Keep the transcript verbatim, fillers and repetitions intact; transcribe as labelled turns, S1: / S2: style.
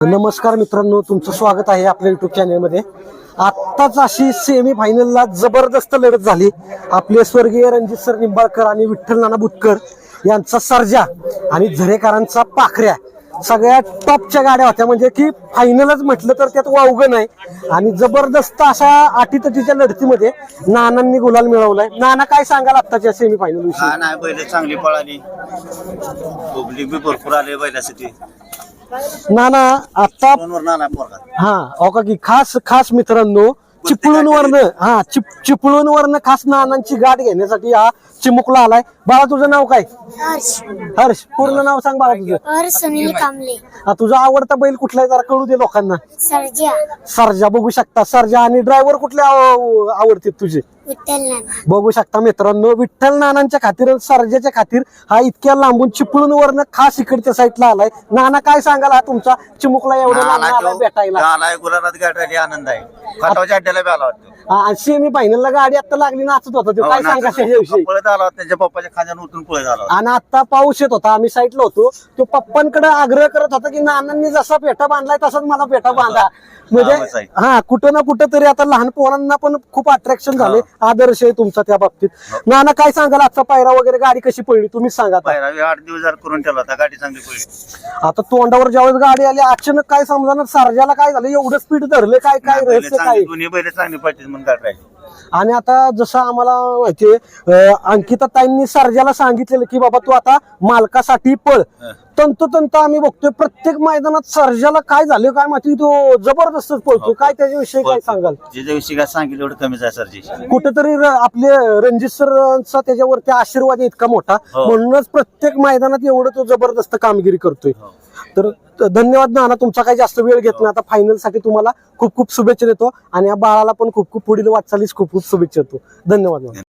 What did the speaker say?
S1: नमस्कार मित्रांनो, तुमचं स्वागत आहे आपल्या युट्यूब चॅनलमध्ये। आत्ताच अशी सेमी फायनलला जबरदस्त लढत झाली। आपले स्वर्गीय रणजित सर निंबाळकर आणि विठ्ठल नाना बुटकर यांचा सर्जा आणि झरेकरांचा पाखऱ्या सगळ्या टॉपच्या गाड्या होत्या, म्हणजे की फायनलच म्हटलं तर त्यात वावगं नाही। आणि जबरदस्त अशा अटीतटीच्या लढतीमध्ये नानांनी गुलाल मिळवलाय। नाना, काय सांगाल आत्ताच्या सेमी फायनल विषयी?
S2: हा नाही, बैल चांगली पळाली, पब्लिक बी भरपूर आले बैलासाठी।
S1: नाना आता
S2: नाना पोरगा
S1: हा ओका की खास खास मित्रांनो, चिपळूण वरनं हा चिप चिपळूण वरनं खास नानांची गाठ घेण्यासाठी हा चिमुकला आलाय। बाळा, तुझं नाव काय?
S3: हर्ष
S1: हर्ष, पूर्ण नाव सांग बाळा तुझं।
S3: हर्ष सुनील कांबळे।
S1: हा, तुझा आवडता बैल कुठला आहे जरा कळू दे लोकांना।
S3: सर्जा
S1: सर्जा बघू शकता, सर्जा। आणि ड्रायव्हर कुठले आव- आवडते तुझे?
S3: विठ्ठल नाना।
S1: बघू शकता मित्रांनो, विठ्ठल नानांच्या खातीर, सर्जाच्या खातीर हा इतक्या लांबून चिपळूण वरनं खास इकडच्या साईडला आलाय। नाना, काय सांगाल हा तुमचा चिमुकला एवढं लांब आलाय भेटायला?
S2: आलाय गुलाबात गाठायला आनंद आहे। खटावच्या अड्ड्याला बी आला वाटतो,
S1: सेमी फायनलला गाडी आता लागली, नाचत होता तो। काय सांगा त्याच्याविषयी?
S2: पळत आला होता, त्याच्या पप्पाच्या खांद्यानं उतरून पळत आला होता।
S1: आणि आता पाऊस येत होता, आम्ही साईडला होतो, तो पप्पांकडे आग्रह करत होता की नानांनी जसा पेटा बांधलाय तसाच मला पेटा बांधा। म्हणजे हा, कुठं ना कुठं तरी आता लहान पोरांना पण खूप अट्रॅक्शन झाले। आदर्श आहे तुमचा त्या बाबतीत। नाना, काय सांगाल आजचा पायरा वगैरे, गाडी कशी पडली तुम्हीच सांगा आता।
S2: पहिला आठ दिवस जर करून ठेवला होता, गाडी चांगली पळली।
S1: आता तोंडावर ज्यावेळेस गाडी आली, अचानक काय समजा सर्जाला काय झालं, एवढं स्पीड धरलं, काय काय रहस्य काय?
S2: दोन्ही बैल चांगली पळतील म्हणून गाठ राहिली।
S1: आणि आता जसं आम्हाला माहितीये, अंकिता ताईंनी सर्जाला सांगितलेलं की बाबा तू आता मालकासाठी पळ। तंतोतंत आम्ही बघतोय प्रत्येक मैदानात सर्जाला काय झालं काय माहिती, तो जबरदस्तच पळतो। काय त्याच्याविषयी काय सांगाल?
S2: ज्याच्याविषयी काय सांगितलं एवढं कमीच आहे सरजी।
S1: कुठेतरी आपले रणजित सरांचा त्याच्यावरती आशीर्वाद आहे इतका मोठा, म्हणूनच प्रत्येक मैदानात एवढं तो जबरदस्त कामगिरी करतोय। तर धन्यवाद नाना, तुमचा काही जास्त वेळ घेत नाही। आता फायनल साठी तुम्हाला खूप खूप शुभेच्छा देतो आणि या बाळाला पण खूप खूप पुढील वाटचालीस खूप खूप शुभेच्छा देतो। धन्यवाद नाना।